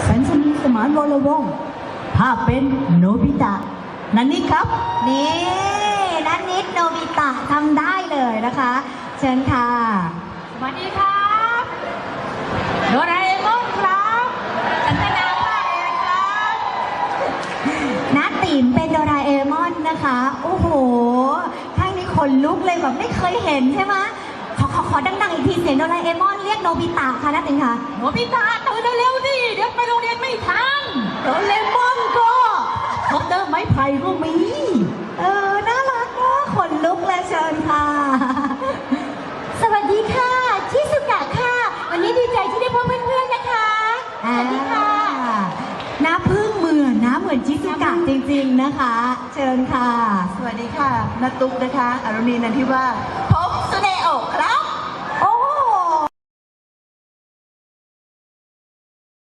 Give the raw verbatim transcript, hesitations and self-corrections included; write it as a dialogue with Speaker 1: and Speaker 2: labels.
Speaker 1: สัญชนีสมานวรวงศ์ภาพเป็นโนบิตะนันนี่ครับนี่นันนิดโนบิตะทำได้เลยนะคะเชิญค่ะ
Speaker 2: สวัสดีครับโดราเอมอนครับฉันเป็นนางภาคเองครับ
Speaker 1: น้าติ๋มเป็นโดราเอมอนนะคะโอ้โหข้างนี้ขนลุกเลยแบบไม่เคยเห็นใช่ไหมขอขอขอดังๆอีกทีเสียงโดราเอมอนเรียกโนบิตะค่ะน้าติ๋มค่ะ
Speaker 2: โนบิตะตื่นเร็วๆดิเดี๋ยวไปโรงเรียนไม่ทัน
Speaker 1: โดราเอมอนก็คอปเตอร์ไม้ไผ่ก็มีเออน่ารักนะขนลุกเลยเชิญค่ะสวัสดีค่ะชิสุกะค่ะวันนี้ดีใจที่ได้พบเพื่อนๆนะคะสวัสดีค่ะน้าพึ่งเหมือนนะเหมือนชิสุกะจริงๆนะคะเชิญค่ะ
Speaker 3: สวัสดีค่ะนัตุ๊กนะคะอรุณีนันทิว่า